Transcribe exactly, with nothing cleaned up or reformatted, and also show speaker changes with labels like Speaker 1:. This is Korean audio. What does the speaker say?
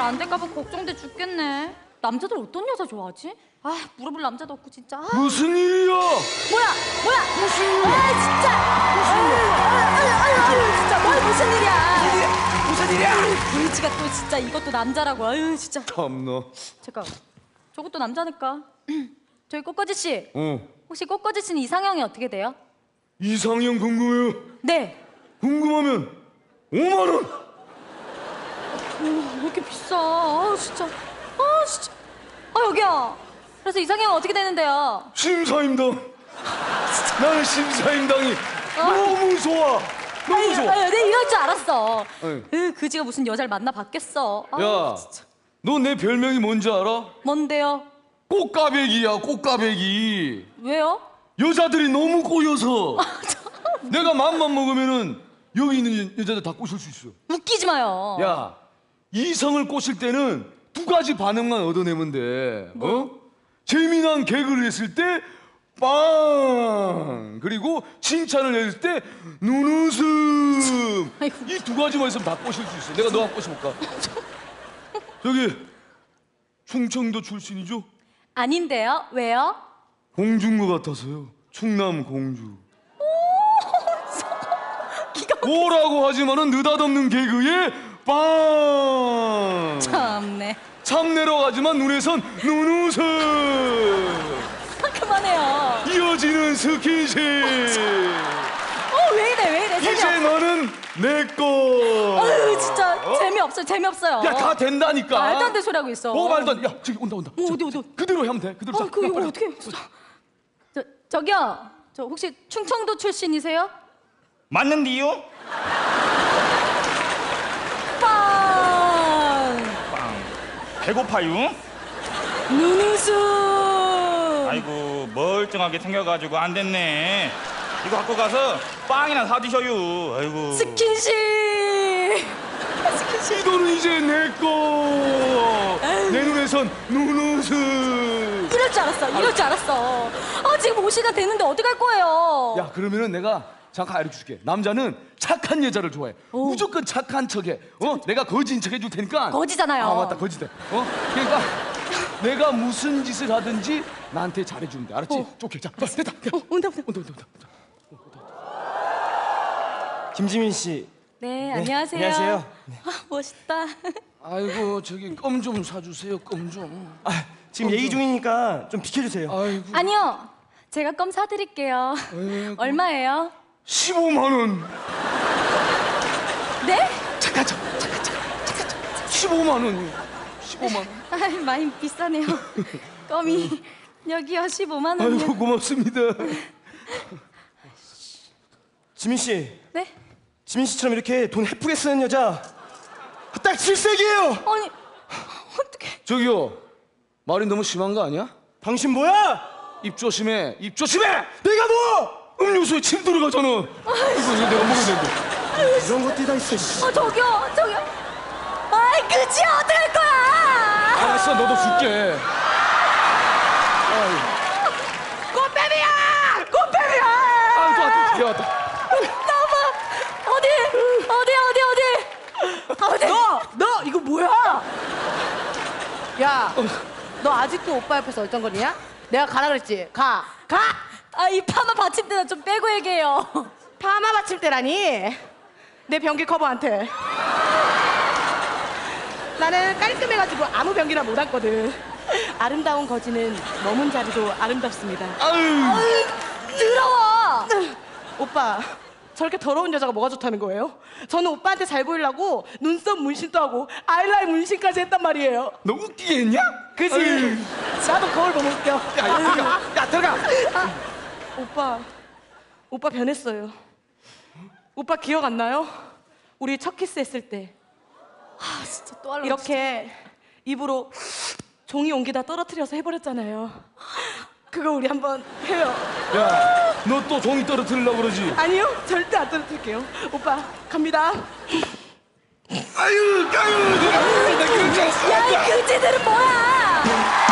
Speaker 1: 안 될까봐 걱정돼 죽겠네. 남자들 어떤 여자 좋아하지? 아, 물어볼 남자도 없고 진짜. 아.
Speaker 2: 무슨 일이야?
Speaker 1: 뭐야? 뭐야?
Speaker 2: 무슨 일이야?
Speaker 1: 아, 진짜. 무슨 일이야? 아유, 아유, 아유, 진짜 뭘 무슨 일이야?
Speaker 2: 무슨 일이야?
Speaker 1: 불치가 또 진짜 이것도 남자라고. 아유, 진짜.
Speaker 2: 참나.
Speaker 1: 잠깐. 저것도 남자니까. 저기 꽃거지 씨.
Speaker 2: 어.
Speaker 1: 혹시 꽃거지 씨는 이상형이 어떻게 돼요?
Speaker 2: 이상형 궁금해요.
Speaker 1: 네.
Speaker 2: 궁금하면 오만 원.
Speaker 1: 왜 이렇게 비싸? 아, 진짜. 아, 진짜. 아, 여기요. 그래서 이상형은 어떻게 되는데요?
Speaker 2: 심사임당. 나는 심사임당이 너무 좋아. 너무
Speaker 1: 아유,
Speaker 2: 좋아.
Speaker 1: 아유, 내 이럴 줄 알았어.
Speaker 2: 아유.
Speaker 1: 으, 그지가 무슨 여자를 만나 봤겠어. 아,
Speaker 2: 야,
Speaker 1: 진짜.
Speaker 2: 너 내 별명이 뭔지 알아?
Speaker 1: 뭔데요?
Speaker 2: 꽃가배기야, 꽃가배기.
Speaker 1: 왜요?
Speaker 2: 여자들이 너무 꼬여서 내가 맘만 먹으면은 여기 있는 여자들 다 꼬실 수 있어.
Speaker 1: 웃기지 마요.
Speaker 2: 야, 이성을 꼬실 때는 두 가지 반응만 얻어내면 돼. 어? 재미난 개그를 했을 때 빵! 그리고 칭찬을 했을 때 눈웃음.
Speaker 1: 아이고.
Speaker 2: 이 두 가지만 있으면 다 꼬실 수 있어. 내가 너 한번 꼬셔볼까? 저기 충청도 출신이죠?
Speaker 1: 아닌데요? 왜요?
Speaker 2: 공주인 것 같아서요. 충남 공주.
Speaker 1: 기가 막...
Speaker 2: 오라고 하지만은 느닷없는 개그에 빵!
Speaker 1: 참네.
Speaker 2: 참내러 가지만 눈에선 눈웃음.
Speaker 1: 아, 그만해요.
Speaker 2: 이어지는 스킨십.
Speaker 1: 어, 왜 이래, 왜 이래.
Speaker 2: 이제
Speaker 1: 재미없어.
Speaker 2: 너는 내 거.
Speaker 1: 아유, 진짜
Speaker 2: 어?
Speaker 1: 재미없어요, 재미없어요.
Speaker 2: 야, 다 된다니까.
Speaker 1: 말도 안 되는 소리 하고 있어.
Speaker 2: 어, 말도 안 돼. 야, 저기 온다, 온다.
Speaker 1: 어,
Speaker 2: 저,
Speaker 1: 어디, 어디,
Speaker 2: 저,
Speaker 1: 어디.
Speaker 2: 그대로 하면 돼. 그대로.
Speaker 1: 아,
Speaker 2: 자,
Speaker 1: 그
Speaker 2: 야,
Speaker 1: 이거
Speaker 2: 빨리.
Speaker 1: 어떻게? 저 저기요. 저 혹시 충청도 출신이세요?
Speaker 3: 맞는디요?
Speaker 1: 빵.
Speaker 3: 빵. 배고파요?
Speaker 1: 눈웃음.
Speaker 3: 아이고 멀쩡하게 생겨가지고 안 됐네. 이거 갖고 가서 빵이나 사 드셔요. 아이고.
Speaker 1: 스킨십. 스킨십.
Speaker 2: 이 돈은 이제 내 거. 내 눈에선 눈웃음.
Speaker 1: 이럴 줄 알았어. 이럴 줄 알았어. 아, 지금 오 시가 됐는데 어디 갈 거예요?
Speaker 2: 야, 그러면은 내가 잠깐 알려 줄게. 남자는 착한 여자를 좋아해.
Speaker 1: 오.
Speaker 2: 무조건 착한 척해. 어? 내가 거지인 척 해줄 테니까.
Speaker 1: 거지잖아요.
Speaker 2: 아, 맞다. 거지대. 어? 그러니까 내가 무슨 짓을 하든지 나한테 잘해주면 돼. 알았지?
Speaker 1: 어.
Speaker 2: 좋게. 자, 됐다. 됐다.
Speaker 1: 어, 온다, 온다.
Speaker 2: 온다, 온다, 온다.
Speaker 4: 김지민 씨.
Speaker 1: 네, 안녕하세요.
Speaker 4: 안녕하세요.
Speaker 1: 아, 멋있다.
Speaker 2: 아이고, 저기 껌 좀 사주세요. 껌 좀.
Speaker 4: 아, 지금 얘기 중이니까 좀 비켜주세요.
Speaker 2: 아이고.
Speaker 1: 아니요. 제가 껌 사드릴게요.
Speaker 2: 아이고.
Speaker 1: 얼마예요?
Speaker 2: 십오만 원.
Speaker 1: 네?
Speaker 2: 잠깐, 잠깐, 잠깐, 잠깐, 잠깐, 잠깐. 십오만 원이요. 십오만 원.
Speaker 1: 아, 많이 비싸네요. 껌이 여기요, 십오만 원.
Speaker 2: 아이고, 고맙습니다.
Speaker 4: 지민 씨,
Speaker 1: 네?
Speaker 4: 지민 씨처럼 이렇게 돈 헤프게 쓰는 여자 딱 질색이에요.
Speaker 1: 아니, 어떡해.
Speaker 2: 저기요. 말이 너무 심한 거 아니야?
Speaker 4: 당신 뭐야?
Speaker 2: 입 조심해. 입 조심해.
Speaker 4: 내가 뭐?
Speaker 2: 음료수에 침 들어가잖아. 이거 이거 내가 먹어야 되는데.
Speaker 4: 이런 것들이 다 있어. 씨.
Speaker 1: 어, 저기요, 저기요. 아이, 그지 어떡할 거야?
Speaker 2: 알았어, 너도 줄게.
Speaker 1: 꽃뱀이야! 꽃뱀이야!
Speaker 2: 아, 또 왔다. 얘 왔다.
Speaker 1: 나봐. 어디? 어디, 어디, 어디? 어디?
Speaker 5: 너! 너 이거 뭐야? 야, 너 아직도 오빠 옆에서 얼쩡거리냐? 내가 가라 그랬지? 가! 가!
Speaker 1: 아, 이 파마 받침대는 좀 빼고 얘기해요.
Speaker 5: 파마 받침대라니? 내 변기 커버한테. 나는 깔끔해가지고 아무 변기나 못 앉거든. 아름다운 거지는 머문 자리도 아름답습니다.
Speaker 2: 아유.
Speaker 1: 더러워.
Speaker 5: 오빠, 저렇게 더러운 여자가 뭐가 좋다는 거예요? 저는 오빠한테 잘 보이려고 눈썹 문신도 하고 아이라인 문신까지 했단 말이에요.
Speaker 2: 너 웃기게 했냐?
Speaker 5: 그지?
Speaker 2: 아유.
Speaker 5: 나도 거울 보고 웃겨.
Speaker 2: 야, 야, 들어가. 야, 들어가.
Speaker 5: 오빠, 오빠 변했어요. 오빠 기억 안 나요? 우리 첫 키스 했을 때
Speaker 1: 아, 진짜 또 할래.
Speaker 5: 이렇게 입으로 종이 옮기다 떨어뜨려서 해버렸잖아요. 그거 우리 한번 해요.
Speaker 2: 야, 너 또 종이 떨어뜨리려고 그러지?
Speaker 5: 아니요, 절대 안 떨어뜨릴게요. 오빠, 갑니다.
Speaker 2: 아유, 아유, 내가 나 그러지 않았어.
Speaker 1: 야, 이 그지들은 뭐야?